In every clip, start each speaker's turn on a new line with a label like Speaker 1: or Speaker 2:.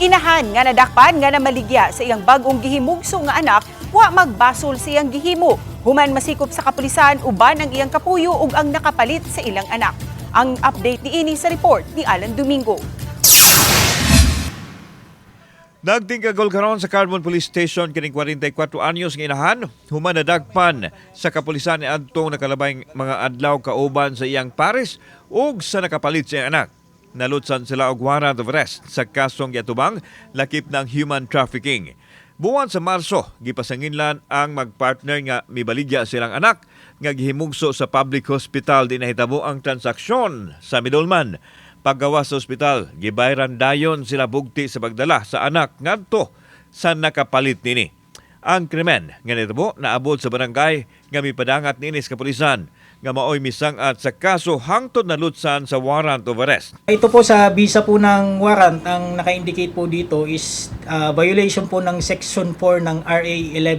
Speaker 1: Inahan nga nadakpan nga namaligya sa iyang bag-ong gihimugso nga anak, wa magbasol sa iyang gihimo. Human masikop sa kapulisan uban ang iyang kapuyo ug ang nakapalit sa ilang anak. Ang update ni ini sa report ni Alan Domingo.
Speaker 2: Nagtingkagol karon sa Carbon Police Station kining 44 anyos nga inahan, human nadagpan sa kapulisan ni adtong nakalabay mga adlaw kauban sa iyang pares ug sa nakapalit sa iyang anak. Nalutsan sila og warrant of arrest sa kasong giatubang lakip ng human trafficking. Buwan sa Marso, gipasanginlan ang magpartner nga mibaligya silang anak nga gihimugso sa public hospital di nahitabo ang transaksyon sa middleman. Paggawa sa ospital, gibayran dayon sila bugti sa pagdala sa anak ngadto sa nakapalit nini. Ang krimen nga nitabo naabot sa barangay nga mipadangat nini sa kapulisan nga maoy misangat sa kaso hangtod nalutsan sa warrant of arrest.
Speaker 3: Ito po sa bisa po ng warrant, ang naka-indicate po dito is violation po ng Section 4 ng RA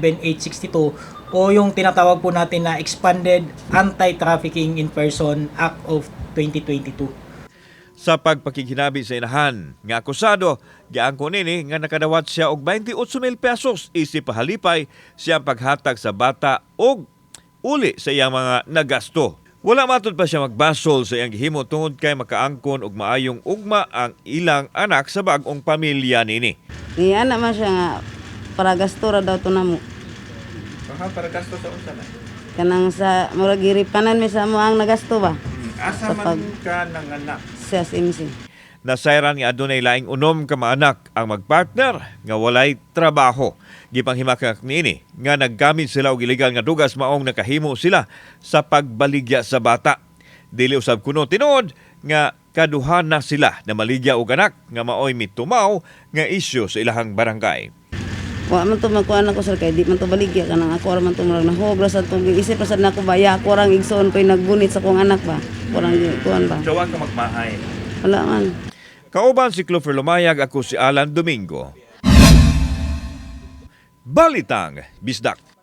Speaker 3: 11862 o yung tinatawag po natin na Expanded Anti-Trafficking in Person Act of 2022.
Speaker 2: Sa pagpakikinabi sa inahan nga akusado, giangko nini nga nakadawat siya og 28,000 pesos isip pahalipay siyang paghatag sa bata og uli sa iyang mga nagasto. Wala matod pa siya magbasol sa iyang gihimo tungod kay makaangkon og maayong ugma ang ilang anak sa bag-ong pamilya nini.
Speaker 4: Anak man siya nga para gasto ra daw to namo.
Speaker 2: Para gasto sa unsa na?
Speaker 4: Kanang sa murag giripanan mi sa mo ang nagasto ba?
Speaker 2: Asa man ka ng anak?
Speaker 4: Sa SMC.
Speaker 2: Nasayran nga adunay laing unom ka maanak ang magpartner nga walay trabaho. Gipanghimakak niini nga naggamit sila og illegal nga dugas maong nakahimo sila sa pagbaligya sa bata. Dili usab kuno tinuod nga kaduhan na sila na maligya og anak nga maoy mitumaw nga isyu sa ilahang barangay.
Speaker 4: Wa man to magkuan ako sir kay di man to baligya kanang ako ra man to murag nahobra sa tong isip ra sad nako baya ako rang igsoon koy nagbunit sa kong anak ba. Kurang kuan ba.
Speaker 2: Jawa ka magmahay.
Speaker 4: Wala man.
Speaker 2: Kauban si Clover Lumayag, ako si Alan Domingo. Balitang Bisdak.